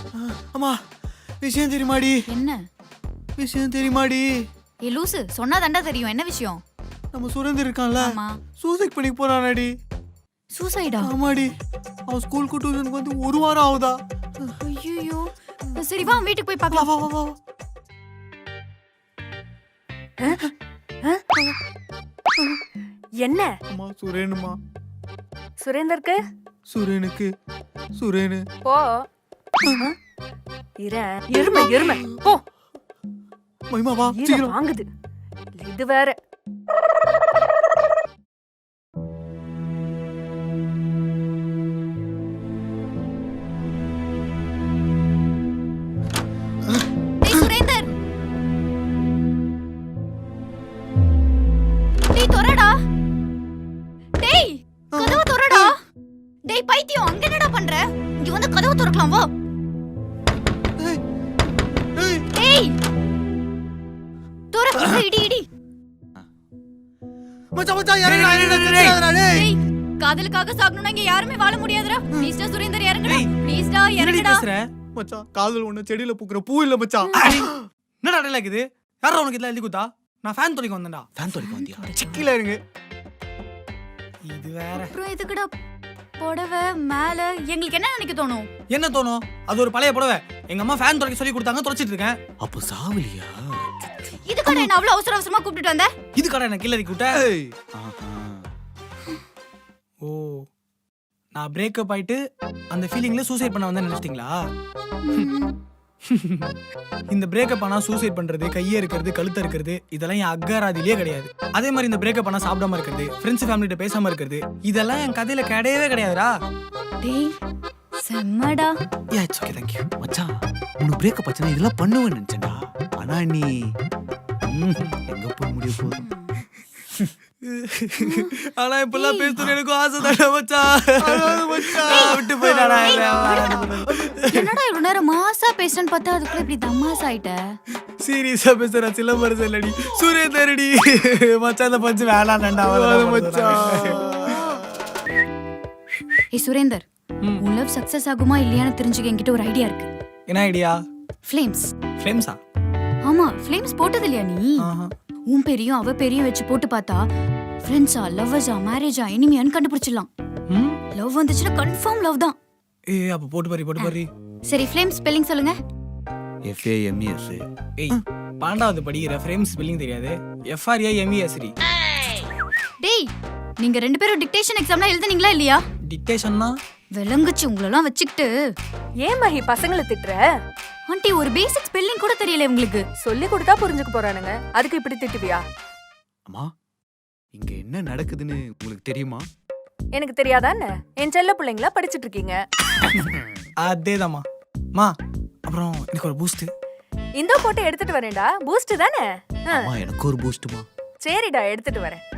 அம்மா விஷயம் தெரியுமாடி? என்ன விஷயம் தெரியுமாடி? ஏ லூசு, சொன்னா தாண்டா தெரியும். என்ன விஷயம்? நம்ம சுரேந்தர் இருக்கான்ல, ஆமா. சூசைட் பண்ணி போறானாடி. சூசைடா? ஆமாடி. அவன் ஸ்கூலுக்கு டியூஷனுக்கு வந்து 1 வாரம் ஆகுதா. ஐயோ. சரி வா வீட்டுக்கு போய் வா பார்க்கலாம். வா வா வா. என்ன அம்மா சுரேனுமா. சுரேந்தருக்கு சுரேனுக்கு சுரேனு. போ எருமை எருமை போ. மைமா வா ஈர சீக்கிரம். வாங்குது இது வேற. டேய் சுரேந்தர். டேய் தொறடா. டேய் கதவு தொறடா. டேய் பைத்தியம், அங்க என்னடா பண்ற? இங்க வந்து கதவு திறக்கலாம் வா. ஏய், ஏய். டேய் தொற. இடி இடி. மச்சான் மச்சான் இறங்குடா இறங்குடா டேய். டேய் காதலுக்காக சாகணும்னா இங்க யாருமே வாழ முடியாதுடா. ப்ளீஸ் டா சுரேந்தர் இறங்குடா. ப்ளீஸ் டா இறங்குடா. மச்சான் காதல் ஒண்ணு செடியில பூக்குற பூ இல்ல மச்சான். என்னடா அடையில இருக்குது? யாரா உனக்கு இதெல்லாம் எழுதி கொடுத்தா? நான் ஃபேன் தொலைக்க வந்தேன்டா. ஃபேன் தொலைக்க வந்தியா? சிக்கில இருங்க. இது வேற. அப்புறம் எதுக்குடா புடவை மேல? எங்களுக்கு என்ன நினைக்க தோணும்? என்ன தோணும்? அது ஒரு பழைய புடவை. எங்க அம்மா ஃபேன் தொலைக்க சொல்லி கொடுத்தாங்க, தொலைச்சிட்டு இருக்கேன். அப்ப சாவலியா? இதுக்கான என்ன அவ்வளவு அவசர அவசரமா கூப்பிட்டு வந்த? இது கடை என்ன கில்லரி கூட்ட? ஏய். ஓ, நான் பிரேக்கப் ஆயிட்டு அந்த ஃபீலிங்ல சூசைட் பண்ண வந்தேன்னு நினைச்சிட்டீங்களா? இந்த பிரேக்கப் ஆனா சூசைட் பண்றது, கையை இருக்கிறது, கழுத்த இருக்கிறது, இதெல்லாம் என் அக்காராதிலேயே கிடையாது. அதே மாதிரி இந்த பிரேக்கப் ஆனா சாப்பிடாம இருக்கிறது, ஃப்ரெண்ட்ஸ் ஃபேமிலிட்ட பேசாம இருக்கிறது, இதெல்லாம் என் கதையில கிடையவே கிடையாதுடா. டேய் செம்மடா. Yeah it's okay thank you. மச்சான் உனக்கு பிரேக்கப் ஆச்சுனா இதெல்லாம் பண்ணுவேன்னு நினைச்சேன்டா. ஆனா நீ எங்க போய் முடிய போற? ஆனா இப்பெல்லாம் பேசணும் எனக்கு ஆசை தானே மச்சான். விட்டு போயிட்டாடா. என்னடா இவ்வளவு நேரம் மாசா பேசுறேன்னு பார்த்தா அதுக்குள்ள இப்படி தமாஸ் ஆயிட்ட. சீரியஸா பேசுற சிலம்பரசன் இல்லடி, சுரேந்தரடி. மச்சான் அந்த பஞ்சு வேணாண்டா மச்சான். ஏய் சுரேந்தர், உன் லவ் சக்சஸ் ஆகுமா இல்லையான்னு தெரிஞ்சுக்க என்கிட்ட ஒரு ஐடியா இருக்கு. என்ன ஐடியா? ஃப்ளேம்ஸ். ஃப்ளேம்ஸா? ஆமா, ஃப்ளேம்ஸ் போட்டது இல்லையா நீ? உன் பேரையும் அவ பேரையும் வச்சு போட்டு பார்த்தா ஃப்ரெண்ட்ஸா, லவ்வர்ஸா, மேரேஜா, எனிமியான்னு கண்டுபிடிச்சிடலாம். லவ் வந்துச்சுன்னா கன்ஃபார்ம் லவ் தான். ஏய் அப்ப போட்டு பாரு. சரி ஃப்ளேம் ஸ்பெல்லிங் சொல்லுங்க. FAMES. ஏய் 12வது படிக்கிற ஃப்ரேம்ஸ் ஸ்பெல்லிங் தெரியாது? FRAMES. டேய் நீங்க ரெண்டு பேரும் டிக்டேஷன் எக்ஸாம்லாம் எழுதுனீங்களா இல்லையா? டிக்டேஷன்னா விளங்குச்சு உங்களெல்லாம் வச்சுக்கிட்டு. ஏன் மகி பசங்களை திட்டுற? ஆண்டி ஒரு பேசிக் ஸ்பெல்லிங் கூட தெரியல உங்களுக்கு. சொல்லி கொடுத்தா புரிஞ்சுக்க போறானுங்க, அதுக்கு இப்படி திட்டுவியா? அம்மா இங்க என்ன நடக்குதுன்னு உங்களுக்கு தெரியுமா? எனக்கு தெரியாதான்னு என் செல்ல பிள்ளைங்களா படிச்சிட்டு இருக்கீங்க. அதேதாம்மா. மா அப்புறம் எனக்கு ஒரு பூஸ்ட். இந்த போட்டு எடுத்துட்டு வரேன்டா. பூஸ்ட் தானே? அம்மா எனக்கு ஒரு பூஸ்ட்மா. சரிடா எடுத்துட்டு வரேன்.